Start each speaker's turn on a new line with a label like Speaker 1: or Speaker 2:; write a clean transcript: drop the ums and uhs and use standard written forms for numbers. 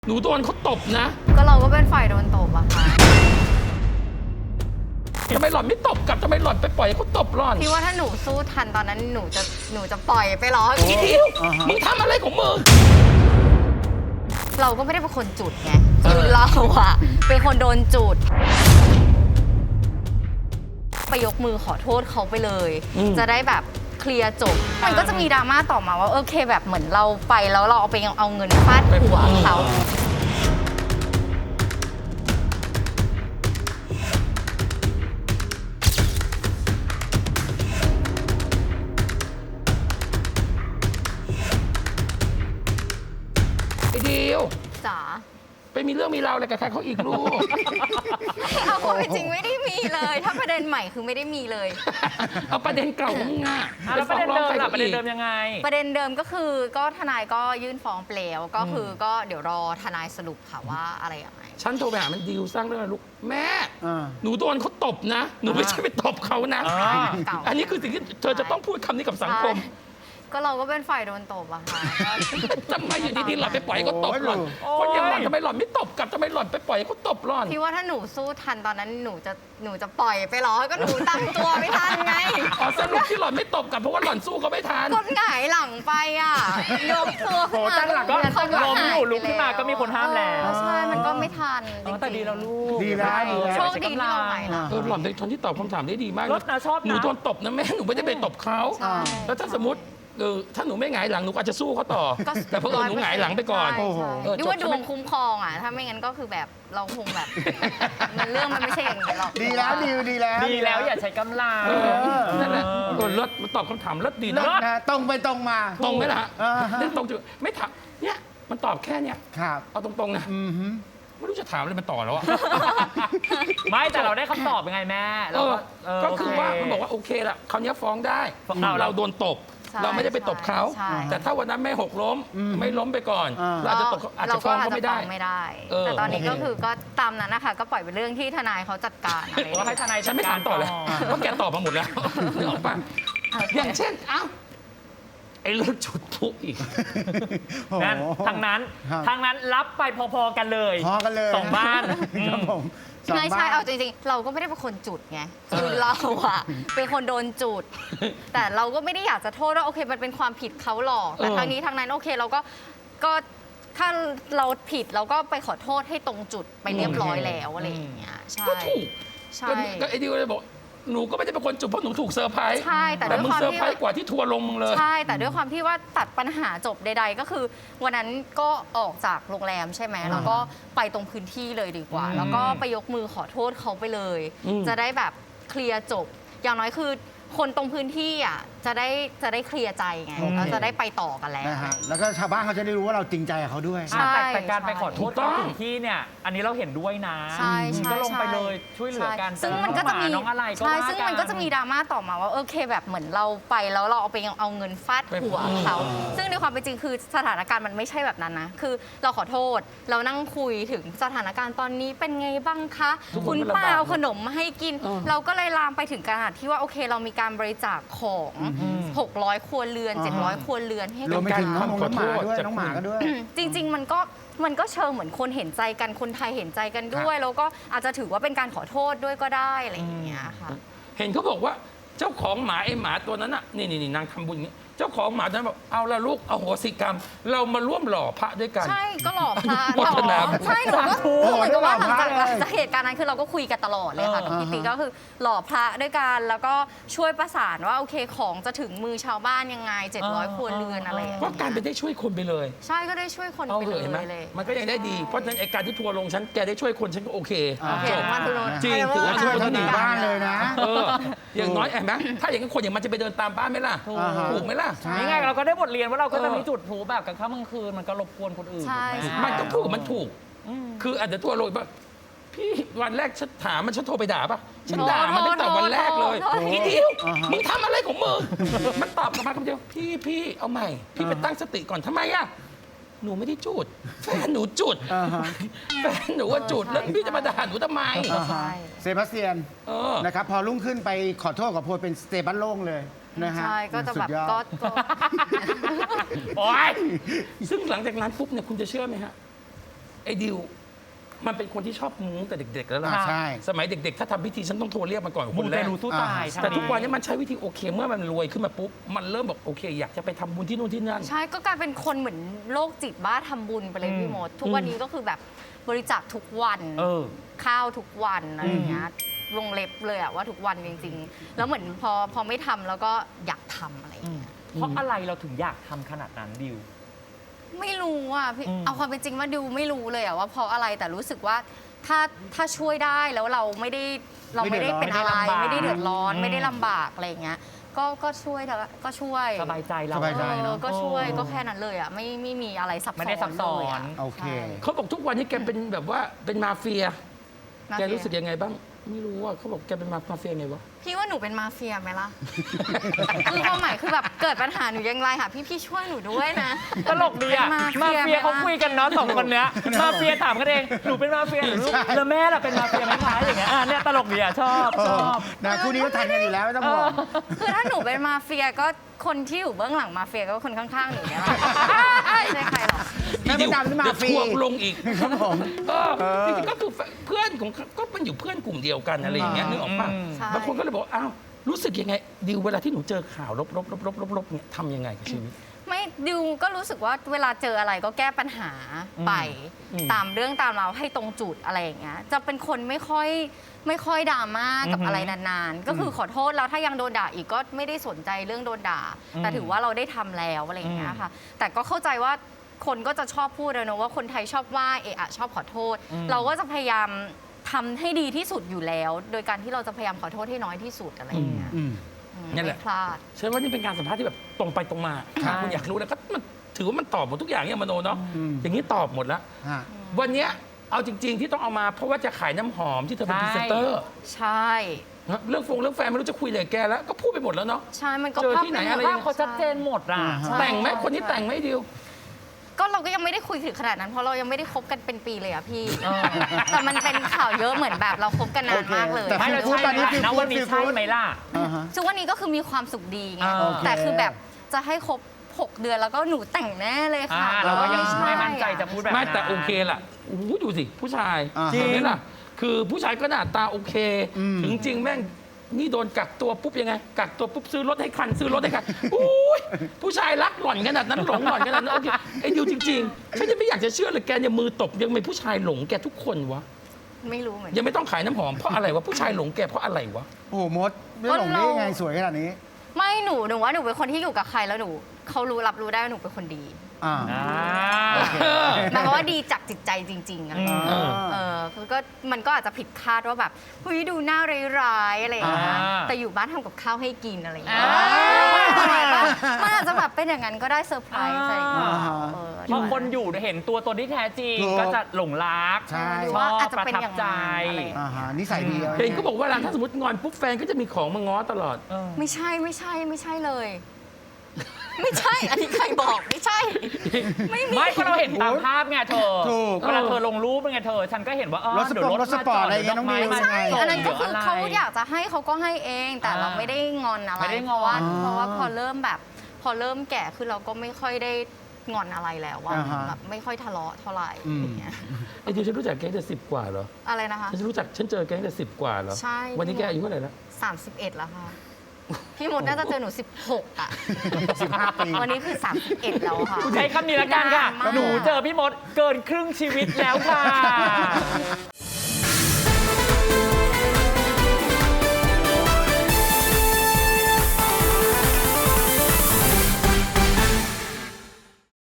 Speaker 1: หนูโดนเขาตบนะ
Speaker 2: ก็เราก็เป็นฝ่ายโดนตบอะค่ะ
Speaker 1: ทำไมหล่อนไม่ตบกลับทำไมหล่อนไปปล่อยให้เขาตบหล่อน
Speaker 2: พี่ว่าถ้าหนูสู้ทันตอนนั้นหนูจะปล่อยไปหรอ
Speaker 1: อีทิวมึงทำอะไรของมึง
Speaker 2: เราก็ไม่ได้เป็นคนจุดไงคือเราอะเป็นคนโดนจุดไปยกมือขอโทษเขาไปเลยจะได้แบบเคลียร์จบมันก็จะมีดราม่าต่อมาว่าโอเคแบบเหมือนเราไปแล้วเราเอาเงินฟาดหัวเขา
Speaker 1: ไอ้ดิว
Speaker 2: จ๋า
Speaker 1: ไปมีเรื่องมีราวอะไรกับใครเขาอีกลูก
Speaker 2: เอาความจริงไม่ได้มีเลยถ้าประเด็นใหม่คือไม่ได้มีเลย
Speaker 1: เอาประเด็นเก่าของมึงอ่ะ
Speaker 3: แล้วประเด็นเดิมล่ะประเด็นเดิมยังไง
Speaker 2: ประเด็นเดิมก็คือก็ทนายก็ยื่นฟ้องเปลวก็คือก็เดี๋ยวรอทนายสรุปค่ะว่าอะไรยังไง
Speaker 1: ฉันโทรไปหามันดิวสร้างเรื่องลูกแม่หนูโดนเขาตบนะหนูไม่ใช่ไปตบเขานะอันนี้คือสิ่งที่เธอจะต้องพูดคำนี้กับสังคม
Speaker 2: ก็เราก็เป็นฝ่ายโดนตบอะค่ะ
Speaker 1: ทำไมอยู่ดีๆหล่อนไปปล่อยเขาตบหล่อนคนอย่างหล่อนทำไมหล่อนไม่ตบกลับทำไมหล่อนไปปล่อยเขาตบหล่อน
Speaker 2: พี่ว่าถ้าหนูสู้ทันตอนนั้นหนูจะปล่อยไปหรอก็หนูตั้งตัวไม่ทันไง
Speaker 1: อ๋อสรุปที่หล่อนไม่ตบกลับเพราะว่าหล่อนสู้เขาไม่ทัน
Speaker 2: กดหงายหลังไปอ่ะยกตัว
Speaker 3: ขึ้นมาตั้งหลักก็ล้มอยู่ลุกขึ้นมาก็มีคนห้ามแล้ว
Speaker 2: ใช่มันก็ไม่ทัน
Speaker 3: แต่ดีแล้วลูก
Speaker 4: ดีแล้ว
Speaker 2: โชคดีที่เราไหวนะ
Speaker 1: หล่อนเป็นคนที่ตอบคำถามได้ดีมาก
Speaker 3: รถนะชอบ
Speaker 1: หนูโดนตบนะแม่หนูไม่ได้ไปตบเขาแล้วถ้าสมมติถ้าหนูไม่หงายหลังหนูอาจจะสู้เขาต่อแต่เพราะหนูหงายหลังไปก่อน
Speaker 2: ดูว่าดวงคุ้มครองอ่ะถ้าไม่งั้นก็คือแบบเราคงแบบมันเรื่องมันไม่ใช่อย่างนี้หรอก
Speaker 4: ดีแล้วดีแล้ว
Speaker 3: อย่าใช้กำลัง
Speaker 1: นั่นแหละรถมันตอบคำถามรถดีนะ
Speaker 4: ตรงไปตรงมา
Speaker 1: ตรงไหมล่ะเล่นตรงจุดไม่ถามเนี่ยมันตอบแค่เนี้ยเอาตรงๆนะไม่รู้จะถามอะไรมันต่อแล้วอะ
Speaker 3: ไม่แต่เราได้คำตอบยังไงแม่
Speaker 1: ก็คือว่ามันบอกว่าโอเคละคราวนี้ฟ้องได้เราโดนตบเราไม่ได้ไปตบเขาแต่ถ้าวันนั้นไม่หกล้มไม่ล้มไปก่อนเราอาจจะตบอาจจะฟ้องเขาไม่ได้
Speaker 2: แต่ตอนนี้ก็คือก็ตามนั้นนะคะก็ปล่อยเป็นเรื่องที่ทนายเขาจัดการอะไร
Speaker 3: ให้ทนาย
Speaker 1: ฉันไม่ถามต่อเลยเพราะแกตอบมาหมดแล้วนึกออกปะอย่างเช่นไอ้เรื่องจุดพลุอีก
Speaker 3: นั่นทางนั้นรับไปพอๆกันเลยสองบ้าน
Speaker 4: ครับผม
Speaker 2: ใช่เอาจริงๆเราก็ไม่ได้เป็นคนจุดไงคือเราอะเป็นคนโดนจุดแต่เราก็ไม่ได้อยากจะโทษว่าโอเคมันเป็นความผิดเขาหรอกแต่ทางนี้ทางนั้นโอเคเราก็ถ้าเราผิดเราก็ไปขอโทษให้ตรงจุดไปเรียบร้อยแล้วอะไรอย่างเงี้ยใช่
Speaker 1: ก็ถูกใช่ก็ไอ้ดิวเลยบอกหนูก็ไม่ได้เป็นคนจุดเพราะหนูถูกเซอร์ไพรส์
Speaker 2: ใช่แต่
Speaker 1: มึงเซอร์ไพรส์กว่าที่ทัวร์ลงมึงเลย
Speaker 2: ใช่แต่ด้วยความที่ว่าตัดปัญหาจบใดๆก็คือวันนั้นก็ออกจากโรงแรมใช่ไหมแล้วก็ไปตรงพื้นที่เลยดีกว่าแล้วก็ไปยกมือขอโทษเขาไปเลยจะได้แบบเคลียร์จบอย่างน้อยคือคนตรงพื้นที่อ่ะจะได้เคลียร์ใจไงแล้วจะได้ไปต่อกันแล้ว
Speaker 4: แล้วก็ชาวบ้านเขาจะได้รู้ว่าเราจริงใจกับเขาด้วย
Speaker 3: แต่การไปขอโทษถึงที่เนี่ยอันนี้เราเห็นด้วยนะก็ลงไปเลยช่วยเหลือกัน
Speaker 2: ซึ่งมันก็จะมี
Speaker 3: น้องอะไรก็
Speaker 2: ซึ่งมันก็จะมีดราม่าต่อมาว่าโอเคแบบเหมือนเราไปแล้วเราเอาเงินฟาดหัวเขาซึ่งในความเป็นจริงคือสถานการณ์มันไม่ใช่แบบนั้นนะคือเราขอโทษเรานั่งคุยถึงสถานการณ์ตอนนี้เป็นไงบ้างคะคุณป้าเอาขนมมาให้กินเราก็เลยลามไปถึงขนาดที่ว่าโอเคเรามีการบริจาคของ600 ครัวเรือน700 ครัวเรือนให้
Speaker 4: กับการน้องหมาด้วยน้องหมาก็ด้วย
Speaker 2: จริงๆมันก็เชิงเหมือนคนเห็นใจกันคนไทยเห็นใจกันด้วยแล้วก็อาจจะถือว่าเป็นการขอโทษด้วยก็ได้อะไรอย่างเงี้ยค่ะ
Speaker 1: เห็นเขาบอกว่าเจ้าของหมาไอ้หมาตัวนั้นน่ะนี่นางทำบุญอย่างนี้เจ้าของหมานั้นบอกเอาละลูกเอาโหสิกรรมเรามาร่วมหล่อพระด้วยกัน
Speaker 2: ใช่ก็หล่อพระใช่หนูก็เหมือนกับว่าหลังจากเหตุการณ์นั้นคือเราก็คุยกันตลอดเลยค่ะกับพี่ติ๊กก็คือหล่อพระด้วยกันแล้วก็ช่วยประสานว่าโอเคของจะถึงมือชาวบ้านยังไง700 ครัวเรือนอะไร
Speaker 1: ก็การไปได้ช่วยคนไปเลย
Speaker 2: ใช่ก็ได้ช่วยคนไปเลย
Speaker 1: มันก็ยังได้ดีเพราะฉะนั้นไอ้การที่ทัวร์ลงฉันแกได้ช่วยคนฉันก็โอเค
Speaker 2: จบ
Speaker 1: จริงถือว่าช่วยคนหนึ่ง
Speaker 4: บ้านเลยนะ
Speaker 1: อย่างน้อยเห็นไหมถ้าอย่างนั้นคนอย่างมันจะไปเดินตามบ้านไหมล่ะถูกไหมล่ะ
Speaker 3: นี่ไงเราก็ได้บทเรียนว่าเราก็จะไม่จุดพลุแบบกลางค่ำกลางคืนมันก็รบกวนคนอื่น
Speaker 1: มันก็ถูกมันถูกคืออาจจะทัวร์ลงป่ะพี่วันแรกฉันถามมันฉันโทรไปด่าป่ะฉันด่ามันตั้งแต่วันแรกเลยอีทิวมึงทำอะไรของมึงมันตอบกลับมาคำเดียวพี่เอาใหม่พี่ไปตั้งสติก่อนทำไมอะหนูไม่ได้จุดแฟนหนูจุดแฟนหนูว่าจุดแล้วพี่จะมาด่าหนูทำไม
Speaker 4: เซบาสเตียนนะครับพอรุ่งขึ้นไปขอโทษกับโพลเป็นสเตบันโล่งเลยนะฮะ
Speaker 2: ใช่ก็จะแบบก็
Speaker 1: โอ๊ยซึ่งหลังจากนั้นปุ๊บเนี่ยคุณจะเชื่อไหมฮะไอ้ดิวมันเป็นคนที่ชอบมูแต่เด็กๆแล้วล่ะ
Speaker 4: ใช่
Speaker 1: สมัยเด็กๆ ถ้าทำพิธีฉันต้องโทรเรียกมันก่อน
Speaker 3: มู
Speaker 1: คนแร
Speaker 3: เต
Speaker 1: ก
Speaker 3: ลูสู้ตาย
Speaker 1: แต่ทุกวันนี้มันใช้วิธีโอเคเมื่อมันรวยขึ้นมาปุ๊บมันเริ่มบอกโอเค อยากจะไปทำบุญที่นู่นที่นั่น
Speaker 2: ใช่ก็กลายเป็นคนเหมือนโรคจิตบ้าทำบุญไปเลยพี่มดทุกวันนี้ก็คือแบบบริจาคทุกวัน ข้าวทุกวันอะไรอย่างเงี้ยวงเล็บเลยอะว่าทุกวันจริงๆ แล้วเหมือนพอไม่ทำแล้วก็อยากทำอะไรอย่างเงี้ย
Speaker 3: เพราะอะไรเราถึงอยากทำขนาดนั้นดิว
Speaker 2: ไม่รู้อ่ะพี่
Speaker 3: อืม
Speaker 2: เอาความเป็นจริงว่าดิวไม่รู้เลยอ่ะว่าเพราะอะไรแต่รู้สึกว่าถ้าช่วยได้แล้วเราไม่ได้เป็นอะไรไม่ได้เดือดร้อนไม่ได้ลำบากอะไรอย่างเงี้ยก็ช่วยเถอะก็ช่วย
Speaker 3: สบายใจเรา
Speaker 4: สบายใจ เนอะ
Speaker 2: ก็ช่วยก็แค่นั้นเลยอ่ะไม่มีอะไรซับซ้อน
Speaker 3: ไม่ได้ซับซ้อน
Speaker 2: เลยะ
Speaker 4: โอเค
Speaker 2: ใช่
Speaker 1: เขาบอกทุกวันนี้แกเป็นแบบว่าเป็นมาเฟีย
Speaker 2: มา
Speaker 1: แก
Speaker 2: เฟีย
Speaker 1: รู้สึกยังไงบ้าง ไม่รู้ว่าเขาบอกแกเป็นมาเฟียไงวะ
Speaker 2: พี่ว่าหนูเป็นมาเฟียไหมล่ะ คือความหมายคือแบบเกิดปัญหาหนูยังไงค่ะพี่ช่วยหนูด้วยนะ
Speaker 3: ตลกดีอะ
Speaker 2: เป็น
Speaker 3: มาเฟียเขาคุยกันเนาะ2 คนเนี้ยมาเฟียถามกันเองหนูเป็นมาเฟียหรือลูกแล้วแม่ล่ะเป็นมาเฟียไหมคะอย่างเงี้ยเนี่ยตลกดีอะชอบ
Speaker 4: นะคู่นี้ก็ทันกันอยู่แล้วไม่ต้องห่วง
Speaker 2: คือถ้าหนูเป็นมาเฟียก็คนที่อยู่เบื้องหลังมาเฟียก็คนข้างๆหนูเนี่ยแหละไม่ใช่ใครหรอก
Speaker 4: แม่มดดำนี่มาฟรี
Speaker 1: เดี๋ยวทวงลงอีก
Speaker 4: ครับผม
Speaker 1: จริงๆก็คือเพื่อนของก็เป็นอยู่เพื่อนกลุ่มเดียวกันอะไรอย่างเงี้ยนึกออกปะ
Speaker 2: ใช่
Speaker 1: บางคนก็เลยบอกอ้าวรู้สึกยังไงดิวเวลาที่หนูเจอข่าวลบเนี่ยทำยังไงกับชีวิต
Speaker 2: ไม่ดิวก็รู้สึกว่าเวลาเจออะไรก็แก้ปัญหาไป
Speaker 1: อืม
Speaker 2: ตามเรื่องตามเราวให้ตรงจุดอะไรอย่างเงี้ยจะเป็นคนไม่ค่อยดราม่ากับอะไรนานๆ ก็คือขอโทษแล้วถ้ายังโดนด่าอีกก็ไม่ได้สนใจเรื่องโดนด่า แต่ถือว่าเราได้ทำแล้วอะไรอย่างเงี้ยค่ะ แต่ก็เข้าใจว่าคนก็จะชอบพูดนะว่าคนไทยชอบว่าเอะอะชอบขอโทษ เราก็จะพยายามทำให้ดีที่สุดอยู่แล้ว โดยการที่เราจะพยายามขอโทษให้น้อยที่สุดอะไรอย่างเงี้ย
Speaker 4: อืม
Speaker 1: นั่นแหละ
Speaker 2: ไม่พลาด
Speaker 1: ใช่ว่านี่เป็นการสัมภาษณ์ที่แบบตรงไปตรงมา
Speaker 3: ใช่
Speaker 1: คุณอยากรู้แล้วก็มันถือว่ามันตอบหมดทุกอย่างเนี่ยมโนเนาะ
Speaker 4: อืม
Speaker 1: อย่างนี้ตอบหมดแล้ว
Speaker 4: ฮะ
Speaker 1: วันเนี้ยเอาจริง ๆ ที่ต้องเอามาเพราะว่าจะขายน้ำหอมที่เธอเป็นพรีเซนเตอร์
Speaker 2: ใช่
Speaker 1: เรื่องแฟนไม่รู้จะคุยอะไรกับแกแล้ว ก็พูดไปหมดแล้วเนาะ
Speaker 2: ใช่มันก็
Speaker 1: เจอที่ไหนอะไร
Speaker 3: ภาพเขาชัดเจนหมดอ่ะ
Speaker 4: ใช่
Speaker 1: แต่งไหมคนนี้แต่งไหมดิว
Speaker 2: ก็เราก็ยังไม่ได้คุยถึงขนาดนั้นเพราะเรายังไม่ได้คบกันเป็นปีเลยอะพี่ แต่มันเป็นข่าวเยอะเหมือนแบบเราคบกันนานมากเลย
Speaker 4: แต่
Speaker 3: ไม่เรา
Speaker 4: พูด
Speaker 3: ใช่
Speaker 4: ตอนนี้
Speaker 3: ไหม
Speaker 4: คือ
Speaker 3: นะวันนี้
Speaker 4: พูด
Speaker 3: ใช่ไหมล่ะ
Speaker 4: อ่าฮะ
Speaker 2: ซึ่งวันนี้ก็คือมีความสุขดีไง
Speaker 3: โอเค
Speaker 2: แต่คือแบบจะให้ครบ 6 เดือนแล้วก็หนูแต่งแน่เลยค่ะ
Speaker 3: เราก็ยัง
Speaker 2: ใช่
Speaker 3: ไม่มั่นใจจะพูดแบบ
Speaker 1: ไม่
Speaker 3: นั้น
Speaker 1: แต่โอเคล่ะโอ้โหดูสิผู้ชาย
Speaker 4: อ่า
Speaker 1: เห็นไหมล่ะ คือผู้ชายก็หน้าตาโอเค
Speaker 4: อืม
Speaker 1: ถึงจริงแม่งนี่โดนกักตัวปุ๊บยังไง กักตัวปุ๊บซื้อรถให้คันซื้อรถให้คันอุ้ยผู้ชายรักหล่อนขนาดนั้นหลงหล่อนขนาดนั้นโอเคไอ้ดิวจริงๆฉันยังไม่อยากจะเชื่อเลยแกเนี่ยมือตบยังมีผู้ชายหลงแกทุกคนวะ
Speaker 2: ไม่รู้เหมือน
Speaker 1: ยั
Speaker 2: กัน
Speaker 1: งไม่ต้องขายน้ำหอมเพราะอะไรวะผู้ชายหลงแกเพราะอะไรวะ
Speaker 4: โอ้โหมดไม่หลงได้ยังไงสวยขนาดนี้
Speaker 2: ไม่หนูว่าหนูเป็นคนที่อยู่กับใครแล้วหนูเขารับรู้ได้ว่าหนูเป็นคนดี
Speaker 4: อ่า
Speaker 3: โอเค
Speaker 2: หมายความว่าดีจากจิตใจจริงๆอะไรอย่างเงี้ย คือก็มันก็อาจจะผิดคาดว่าแบบเฮ้ยดูหน้าร้ายๆอะไรอย่างเงี้ย
Speaker 3: อ่า
Speaker 2: แต่อยู่บ้านทำกับข้าวให้กินอะไรอย่างเงี้ย
Speaker 3: อ่า
Speaker 2: มันอาจจะแบบเป็นอย่างนั้นก็ได้เซอร์ไพรส์อะไรอย่างเงี้ย
Speaker 4: อ่า
Speaker 3: พอคนอยู่เห็นตัวตนที่แท้จริง
Speaker 4: ถูก
Speaker 3: ก็จะหลงรัก
Speaker 4: ใช่
Speaker 2: หรือ
Speaker 3: ช
Speaker 2: ว่า
Speaker 3: อบ
Speaker 2: อาจจะ
Speaker 3: ประ
Speaker 2: เป็น
Speaker 3: ทับ
Speaker 2: อย่าง
Speaker 3: ใจ
Speaker 2: นั้นอะไรอย่างเงี้ย
Speaker 4: อ่าฮะนิสัยดี
Speaker 1: เห็นก็บอกว่าเวลาถ้าสมมติงอนปุ๊บแฟนก็จะมีของมาง้อตลอด
Speaker 2: ไม่ใช่เลย ไม่ใช่ อันนี้ใครบอกไม่ใช่ ไม่มี
Speaker 3: ไม่ก็เราเห็นตามภาพไงเธอ
Speaker 4: ถูก
Speaker 3: เวลาเธอลงรูปเป็นไงเธอ ฉันก็เห็นว่าเออ
Speaker 4: รถสปอร์ต
Speaker 3: เดี๋ยว
Speaker 4: รถสปอร์ตอะไรอย่างเงี้ยน้องมิว
Speaker 3: มา
Speaker 4: ใช่
Speaker 3: ส่ง
Speaker 2: อันนั้นก็คือ
Speaker 3: ดี๋ยวะไร
Speaker 2: เขาอยากจะให้เขาก็ให้เอง แต่เรา
Speaker 3: อ่า
Speaker 2: ไม่ได้งอนอะไร
Speaker 3: ไม่ได้งอน
Speaker 2: เพราะว่าพอเริ่มแบบ พอเริ่มแก่คือเราก็ไม่ค่อยได้งอนอะไรแล้วว่า
Speaker 4: อ่าฮะ
Speaker 2: แบบไม่ค่อยทะเลาะเท่าไหร่อย่างเงี้ย
Speaker 1: ไอ้ดิวฉันรู้จักแกตั้งแต่10 กว่าเหรอ
Speaker 2: อะไรนะคะ
Speaker 1: ฉันเจอแกตั้งแต่10 กว่าเหรอ
Speaker 2: ใช่
Speaker 1: วันนี้แกอายุเท่าไหร่แล้ว
Speaker 2: 31 แล้วค่ะ พี่มดน่าจะเจอหนู 16 อ่ะ
Speaker 4: 15 ปี
Speaker 2: วันนี้คือ 31 แล้วค่ะ
Speaker 3: ใช้คำนี้ละกันค่ะ
Speaker 2: นานมาก
Speaker 3: หนูเจอพี่มดเกินครึ่งชีวิตแล้วค่ะ